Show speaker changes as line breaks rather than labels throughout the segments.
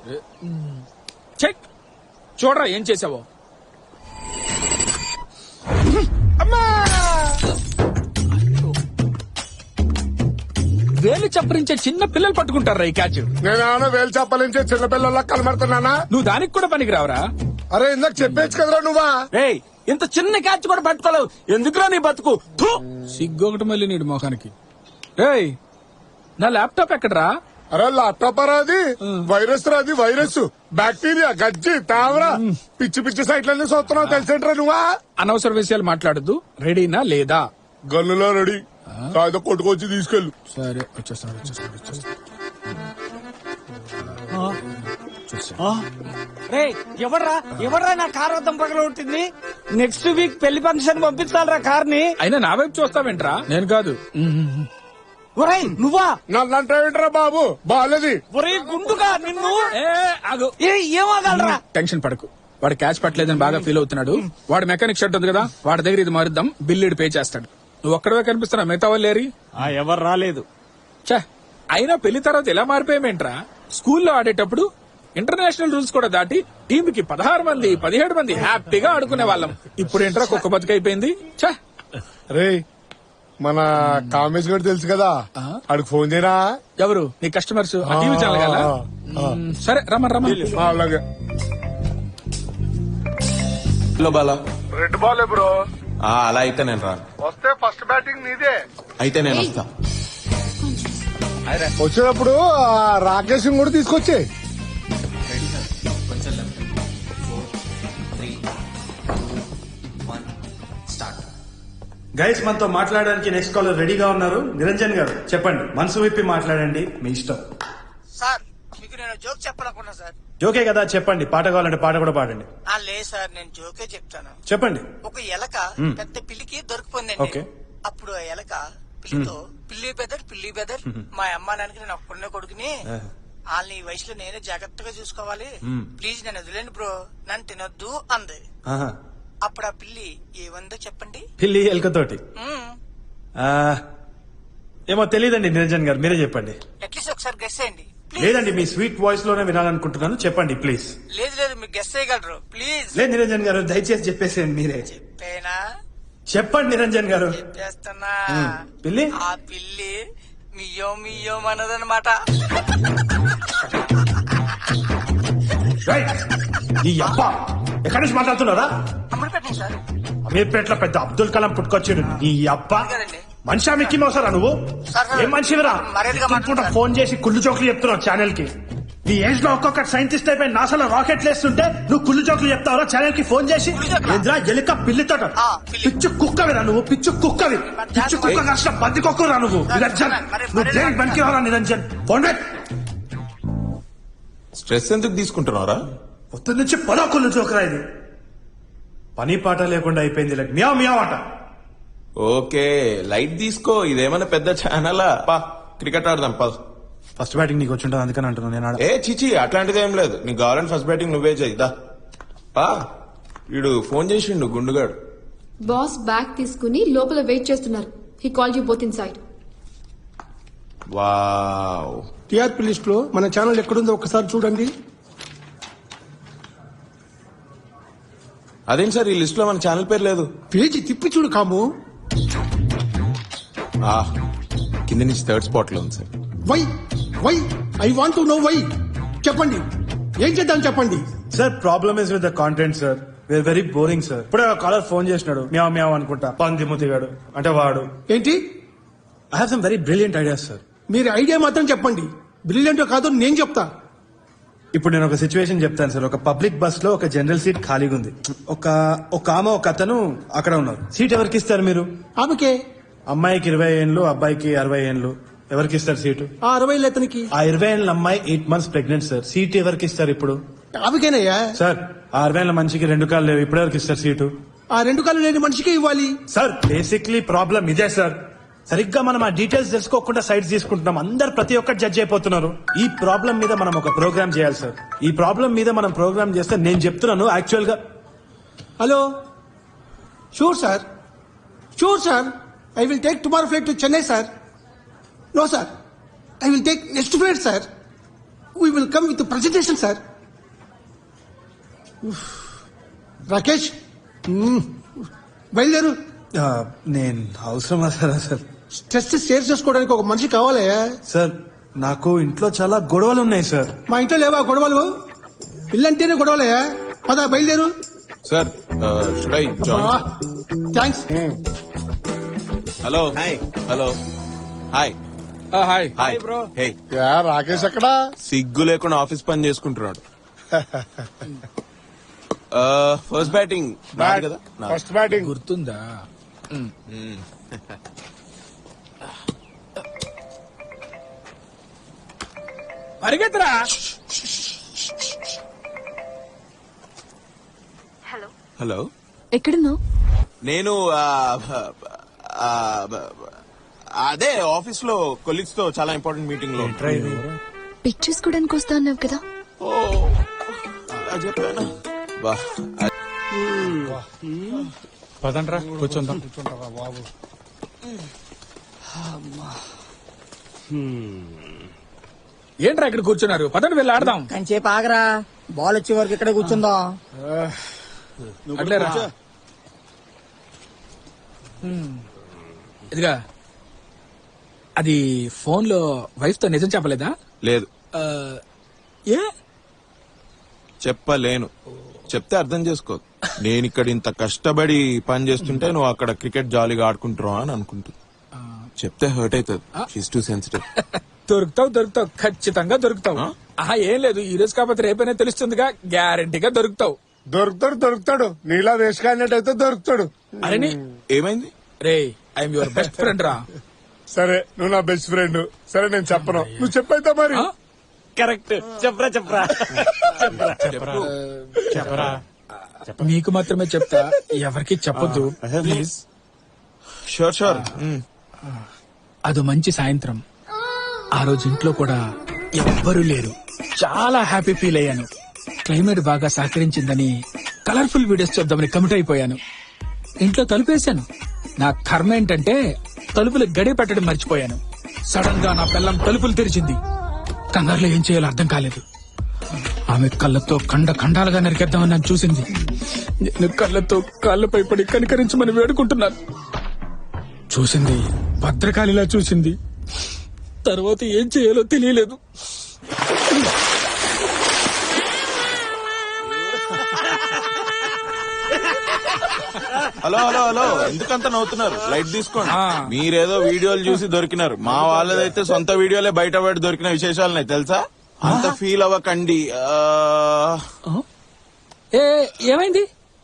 Check చూడరా ఏం చేసావో. వేలు చప్పరించే చిన్న పిల్లలు పట్టుకుంటారా ఈ క్యాచ్.
నేనేమన్నా వేలు చెప్పాలించే చిన్నపిల్లల్లా కనబడుతున్నానా?
నువ్వు దానికి కూడా పనికి రావరా?
అరే ఇందాక చెప్పేచ్చు కదరా నువ్వా?
ఏయ్ ఇంత చిన్న క్యాచ్ కూడా పట్టుకోలేవు, ఎందుకురా నీ బతుకు? థు!
సిగ్గొకటి మళ్ళీ నీడు మొఖానికి. ఏయ్ నా ల్యాప్టాప్ ఎక్కడరా?
అరే ల్యాప్టాప్ అది వైరస్ రా, అది వైరస్ బ్యాక్టీరియా గజ్జి తావరా పిచ్చి పిచ్చి సైట్లన్నీ చూస్తున్నావు తెలిసేంట్రా నువ్వా?
అనవసర విషయాలు మాట్లాడద్దు. రెడీనా లేదా?
గన్నులో రెడీ, కాదు కొట్టుకొచ్చి తీసుకెళ్ళు.
సరే వచ్చేస్తాను.
రేయ్ ఎవడ్రా నా కార్ వద్దం పగల ఉంటుంది? నెక్స్ట్ వీక్ పెళ్లి ఫంక్షన్ పంపించాలరా కార్ ని.
అయినా నా వైపు చూస్తావేంట్రా? నేను కాదు.
ఒరేయ్ నువ్వా?
నన్నంటే ఏంట్రా బాబు బాలేది.
ఒరేయ్ గుండుగా నిన్ను.
ఆగు.
ఏమగలరా?
టెన్షన్ పడకు. వాడు క్యాచ్ పట్టలేదని బాగా ఫీల్ అవుతున్నాడు. వాడు మెకానిక్ షర్ట్ ఉంది కదా, వాడి దగ్గర ఇది మారుద్దాం, బిల్లుడు పే చేస్తాడు. నువ్వు ఒక్కడవే కనిపిస్తున్నా, మిగతా వాళ్ళు లేరి.
ఎవరు రాలేదు.
ఛే, అయినా పెళ్లి తర్వాత ఎలా మారిపోయామేంట్రా? స్కూల్లో ఆడేటప్పుడు ఇంటర్నేషనల్ రూల్స్ కూడా దాటి టీంకి 16 మంది 17 మంది హ్యాపీగా ఆడుకునే వాళ్ళం. ఇప్పుడు ఏంట్రా కుక్క బతుకైపోయింది. ఛే.
రే మన కామేష్ గారు తెలుసు కదా, ఆడికి ఫోన్ చేయరా?
ఎవరు నీ కస్టమర్స్? టీవీ ఛానల్ కదా. సరే రమ్మని.
అలాగే.
Hello Bala.
Red ball bro.
అలా అయితే నేను రాను.
వస్తే ఫస్ట్ బ్యాటింగ్ నీదే.
అయితే నేను వస్తా.
వచ్చేటప్పుడు రాకేష్ కూడా తీసుకొచ్చే.
గైస్ మనతో మాట్లాడడానికి నెక్స్ట్ కాలర్ రెడీగా ఉన్నారు. నిరంజన్ గారు చెప్పండి, మనసు విప్పి మాట్లాడండి, మీ ఇష్టం.
సార్ మీకు నేను జోక్ చెప్పాలనుకున్నా సార్.
జోకే కదా, చెప్పండి. పాట కావాలంటే పాట కూడా పాడండి.
లేదు సార్, నేను జోకే చెప్తాను.
చెప్పండి.
ఒక ఎలక పెద్ద పిల్లికి దొరికిపోయిందండి.
ఓకే.
అప్పుడు ఆ ఎలక పిల్లితో పిల్లి బెదర్ మా అమ్మ నాన్నకి నేను ఒక్కడనే కొడుకుని వాళ్ళని ఈ వయసులో నేనే జాగ్రత్తగా చూసుకోవాలి, ప్లీజ్ నన్ను వదిలేండి బ్రో, నన్ను తినొద్దు అంది.
ఆహా.
అప్పుడు ఆ పిల్లి ఏమందో చెప్పండి.
పిల్లి ఎలుకతోటి ఏమో తెలియదండి. నిరంజన్ గారు మీరే చెప్పండి.
అట్లీస్ట్ ఒకసారి గెస్ చేయండి ప్లీజ్.
లేదండి, మీ స్వీట్ వాయిస్ లోనే వినాలనుకుంటున్నాను, చెప్పండి ప్లీజ్.
లేదు మీరు గెస్ చేయగలరు ప్లీజ్.
లేదు నిరంజన్ గారు, దయచేసి చెప్పేసేయండి మీరే.
చెప్పేనా?
చెప్పండి నిరంజన్ గారు.
చెప్పేస్తున్నా.
పిల్లి
ఆ పిల్లి మియ్యో అన్నదన్నమాట.
ఈ అబ్బ ఎక్కడి నుంచి మాట్లాడుతున్నారా?
అమ్మడి పెట్టండి సార్.
అమీర్పేటలో పెద్ద అబ్దుల్ కలాం పుట్టుకొచ్చాడు. ఈ అబ్బ
కదండి.
మనిషి మిక్కి మోసారా నువ్వు?
సార్,
ఏం మనిషివిరా?
మర్యాదగా మాట్లాడండి.
ఫోన్ చేసి కుళ్ళు జోకులు చెప్తున్నావు ఛానల్ కి. నీ ఏజ్ లో ఒక్కొక్క సైంటిస్ట్ అయిపోయి నాసాలో రాకెట్లు వేస్తుంటే నువ్వు కుళ్ళు జోకులు చెప్తావరా ఛానల్ కి ఫోన్ చేసి? ఏంద్రా ఎలుక పిల్లితో పిచ్చు కుక్కవిరా నువ్వు, పిచ్చు కుక్కవి, పిచ్చు కుక్క కాసిన బంది కుక్కరా నువ్వు. నిరంజన్ నువ్వు దేనికి బంకి రావరా నిరంజన్? ఫోన్
స్ట్రెస్ ఎందుకు తీసుకుంటున్నారా?
పొద్దు నుంచి పదో కుళ్ళు జోకురా ఇది. పని పాట లేకుండా అయిపోయింది. లైక్ మియా మియా ఆట.
ఓకే లైట్ తీసుకో, ఇదేమైనా పెద్ద ఛానలా? పా క్రికెట్ ఆడదాం పా.
ఫస్ట్ బ్యాటింగ్ నీకు వచ్చి ఉంటుంది అందుకని అంటున్నాను నేను.
ఏ చిచి అట్లాంటిది ఏం లేదు, నీకు కావాలంటే ఫస్ట్ బ్యాటింగ్ నువ్వే చేయిదా. పా వీడు ఫోన్ చేసిండు గుండుగాడు.
బాస్ బ్యాగ్ తీసుకుని లోపల వెయిట్ చేస్తున్నారు. He call you both inside.
Wow.
TRP list లో మన ఛానల్ ఎక్కడుందో ఒకసారి చూడండి.
అదేం సార్ ఈ లిస్ట్ లో మన ఛానల్ పేరు లేదు?
పేజీ తిప్పి చూడు కాము.
కింద నుంచి థర్డ్ స్పాట్ లో ఉంది sir.
Why I want to know why. చెప్పండి ఏం చేద్దాం చెప్పండి.
Sir problem is with the content sir. We are very boring sir. ఇప్పుడే కాలర్ ఫోన్ చేసినాడు, మ్యావ్ మ్యావ్ అనుకుంటా, పందిముతిగాడు అంటే వాడు.
ఏంటి?
I have some very brilliant ideas sir.
మీరు ఐడియా మాత్రం చెప్పండి, బ్రిలియంట్ కాదో నేను చెప్తా.
ఇప్పుడు నేను ఒక సిచ్యువేషన్ చెప్తాను సార్. ఒక పబ్లిక్ బస్ లో ఒక జనరల్ సీట్ ఖాళీగా ఉంది. ఒక ఆమె ఒక అతను అక్కడ ఉన్నారు. సీట్ ఎవరికి ఇస్తారు మీరు?
ఆమెకే.
అమ్మాయికి 20 ఏళ్ళు, అబ్బాయికి 60 ఏళ్ళు. ఎవరికి ఇస్తారు సీటు?
ఆ 60 అతనికి.
ఆ 20 ఏళ్ళ అమ్మాయి 8 months ప్రెగ్నెంట్ సార్. సీట్ ఎవరికి ఇస్తారు ఇప్పుడు?
ఆమెకేనయ్యా.
సార్ ఆ 60 ఏళ్ళ మనిషికి 2 కాళ్ళు లేవు, ఇప్పుడు ఎవరికి ఇస్తారు సీటు?
ఆ 2 కాళ్ళు లేని మనిషికి ఇవ్వాలి.
సార్ బేసిక్లీ ప్రాబ్లం ఇదే సార్. సరిగ్గా మనం ఆ డీటెయిల్స్ తెలుసుకోకుండా సైట్స్ తీసుకుంటున్నాం. అందరు ప్రతి ఒక్కటి జడ్జ్ అయిపోతున్నారు. ఈ ప్రాబ్లం మీద మనం ఒక ప్రోగ్రామ్ చేయాలి సార్. ఈ ప్రాబ్లం మీద మనం ప్రోగ్రామ్ చేస్తే నేను చెప్తున్నాను యాక్చువల్ గా.
Hello. Sure sir I will take tomorrow flight to Chennai sir. No sir I will take next flight sir.
We will come with presentation sir. Rakesh బయలుదేరు.
నేను అవసరమా సార్?
స్ట్రెస్ షేర్ చేసుకోవడానికి ఒక మనిషి కావాలి.
సార్ నాకు ఇంట్లో చాలా గొడవలు ఉన్నాయి సార్.
మా ఇంట్లో లేవా గొడవలు? ఇల్లంటేనే గొడవలే. పద బయలుదేరు.
Sir should I join?
Thanks.
Hello hello hi
hi
hi
bro.
Hey
యా రాకేష్ ఎక్కడా?
సిగ్గు లేకుండా ఆఫీస్ పని చేసుకుంటున్నాడు. ఫస్ట్ బ్యాటింగ్ కదా నా.
ఫస్ట్ బ్యాటింగ్
గుర్తుందా? పరిగెత్తరా.
హలో
ఎక్కడున్నావు?
నేను అదే ఆఫీస్ లో కొలీగ్స్ తో చాలా ఇంపార్టెంట్ మీటింగ్ లో.
పిక్ చేసుకోవడానికి వస్తా అన్నావు కదా.
ఓ అలా చెప్పానా? బా
పదండ్రా కూర్చుందాం. ఏంట్రా ఇక్కడ కూర్చున్నారు? పదండి వెళ్ళి ఆడదాం.
కంచేపు ఆగరా, బాల్ వచ్చే వరకు ఇక్కడ కూర్చుందాం.
అట్లేరా. ఇదిగా అది ఫోన్ లో వైఫ్ తో నిజం చెప్పలేదా?
లేదు
ఆ, ఏ
చెప్పలేను. చెప్తే అర్థం చేసుకో. నేను ఇక్కడ ఇంత కష్టపడి పని చేస్తుంటే నువ్వు అక్కడ క్రికెట్ జాలీగా ఆడుకుంటున్నావు అని అనుకుంటుంది. చెప్తే హర్ట్ అవుతుంది. She's too sensitive.
దొరుకుతావు ఖచ్చితంగా దొరుకుతావు. ఆహా ఏం లేదు, ఈ రోజు కాకపోతే రేపైనా తెలుస్తుందిగా. గ్యారంటీగా దొరుకుతావు.
దొరుకుతాడు. నీలా వేసుకాడినట్టయితే దొరుకుతాడు.
అరే
ఏమైంది?
రే ఐఎమ్ యువర్ బెస్ట్ ఫ్రెండ్ రా.
సరే నువ్వు నా బెస్ట్ ఫ్రెండ్. సరే నేను చెప్పను, నువ్వు చెప్పైతే మరి.
కరెక్ట్. చెప్పరా
చెప్పరా. నీకు మాత్రమే చెప్తా, ఎవరికి చెప్పొద్దు ప్లీజ్.
షూర్.
అది మంచి సాయంత్రం. ఆ రోజు ఇంట్లో కూడా ఎవ్వరూ లేరు. చాలా హ్యాపీ ఫీల్ అయ్యాను. క్లైమేట్ బాగా సహకరించిందని కలర్ఫుల్ వీడియోస్ చూద్దామని కమిట్ అయిపోయాను. ఇంట్లో తలుపేశాను. నా కర్మ ఏంటంటే తలుపులు గడి పెట్టడం మర్చిపోయాను. సడన్ గా నా పిల్లం తలుపులు తెరిచింది. కంగారులో ఏం చేయాలో అర్థం కాలేదు. ఆమె కళ్ళతో ఖండాలుగా నరికేద్దామని నన్ను చూసింది. నేను కళ్ళతో కాళ్ళపై పడి కనికరించమని వేడుకుంటున్నాను. చూసింది భద్రకాళిలా చూసింది. తర్వాత ఏం చేయాలో తెలియలేదు.
హలో ఎందుకంత నవ్వుతున్నారు? లైట్ తీసుకోండి. మీరేదో వీడియోలు చూసి దొరికినారు. మా వాళ్ళదైతే సొంత వీడియోలే బయట పడి దొరికిన విశేషాలున్నాయి తెలుసా? అంత ఫీల్ అవ్వకండి.
ఏమైంది?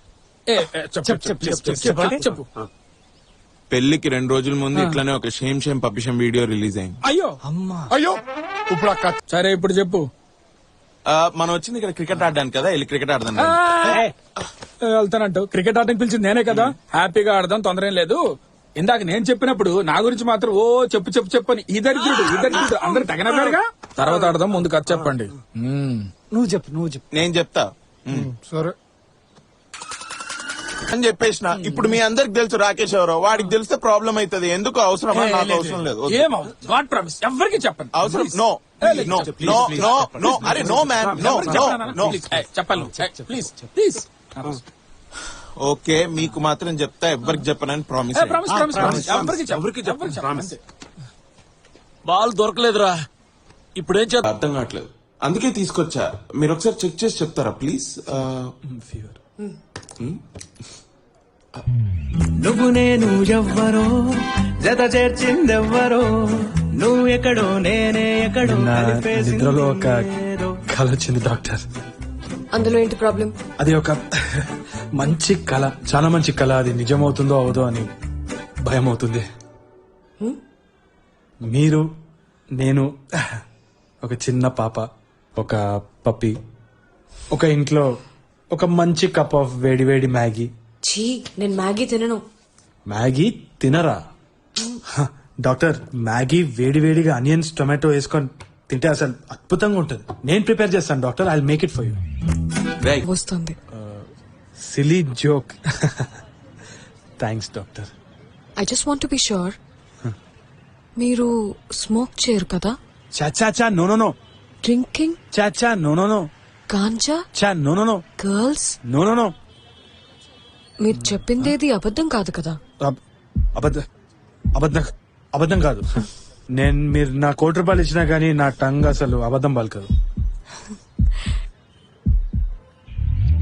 చెప్పు.
పెళ్లికి 2 రోజుల ముందు ఇట్లానే ఒక షేమ్ పప్పిషం వీడియో రిలీజ్ అయింది.
అయ్యో ఇప్పుడు అక్క.
సరే ఇప్పుడు చెప్పు.
మనం వచ్చింది ఇక్కడ క్రికెట్ ఆడడానికి కదా, వెళ్ళి క్రికెట్ ఆడదాం.
వెళ్తానంటూ క్రికెట్ ఆడడానికి పిలిచింది నేనే కదా. హ్యాపీగా ఆడదాం, తొందర ఏం లేదు. ఇందాక నేను చెప్పినప్పుడు నా గురించి మాత్రం ఓ చెప్పు అని ఈ దరిద్రుడు అందరు తగినగా. తర్వాత ఆడదాం, ముందు కథ చెప్పండి.
నువ్వు చెప్పు.
నేను చెప్తా
సరే
అని చెప్పేసిన. ఇప్పుడు మీ అందరికి తెలుసు రాకేష్ ఎవరో. వాడికి తెలిస్తే ప్రాబ్లం అవుతుంది. ఎందుకు అవసరమా? నాకు అవసరం లేదు.
గాడ్ ప్రామిస్ ఎవరికి చెప్పండి.
అవసరం నో. అరే నో మ్యాన్, నో.
చెప్పాలి ప్లీజ్.
ఓకే మీకు మాత్రం చెప్తా, ఎవ్వరికి చెప్పనని ప్రామిస్.
బాల్ దొరకలేదురా. ఇప్పుడేం చేద్దాం?
అర్థం కావట్లేదు, అందుకే తీసుకొచ్చా. మీరు ఒకసారి చెక్ చేసి చెప్తారా ప్లీజ్?
నువ్వు నేను ఎవ్వరో జత చేర్చిందెవ్వరో, నువ్వు ఎక్కడో నేనే ఎక్కడో.
నిద్రలో ఒక కళ వచ్చింది డాక్టర్.
అందులో ఏంటి ప్రాబ్లం?
అది ఒక మంచి కళ, చాలా మంచి కళ. అది నిజమవుతుందో అవదో అని భయం అవుతుంది. మీరు, నేను, ఒక చిన్న పాప, ఒక పప్పి, ఒక ఇంట్లో ఒక మంచి కప్ ఆఫ్ వేడి మ్యాగీ.
ఛీ, నేను మ్యాగీ తినను.
మ్యాగీ తినరా? డాక్టర్, మ్యాగీ వేడిగా ఆనియన్స్ టొమాటో వేసుకొని తింటే అసలు అద్భుతంగా ఉంటుంది. నేను ప్రిపేర్ చేస్తాను doctor. I will make it for you.
వస్తుంది.
Silly joke. Thanks doctor.
I just want to be sure. మీరు స్మోక్ చేయరు కదా?
చా నో.
డ్రింకింగ్,
చా చా నో నో నో
గాంజా,
చా no no no
girls.
No no no
మీరు చెప్పిందేది అబద్ధం కాదు కదా?
అబద్ధం అబద్ధం అబద్ధం కాదు. నేను మీరు నా ₹1 ఇచ్చినా కానీ నా టంగ్ అసలు అబద్ధం పలకదు.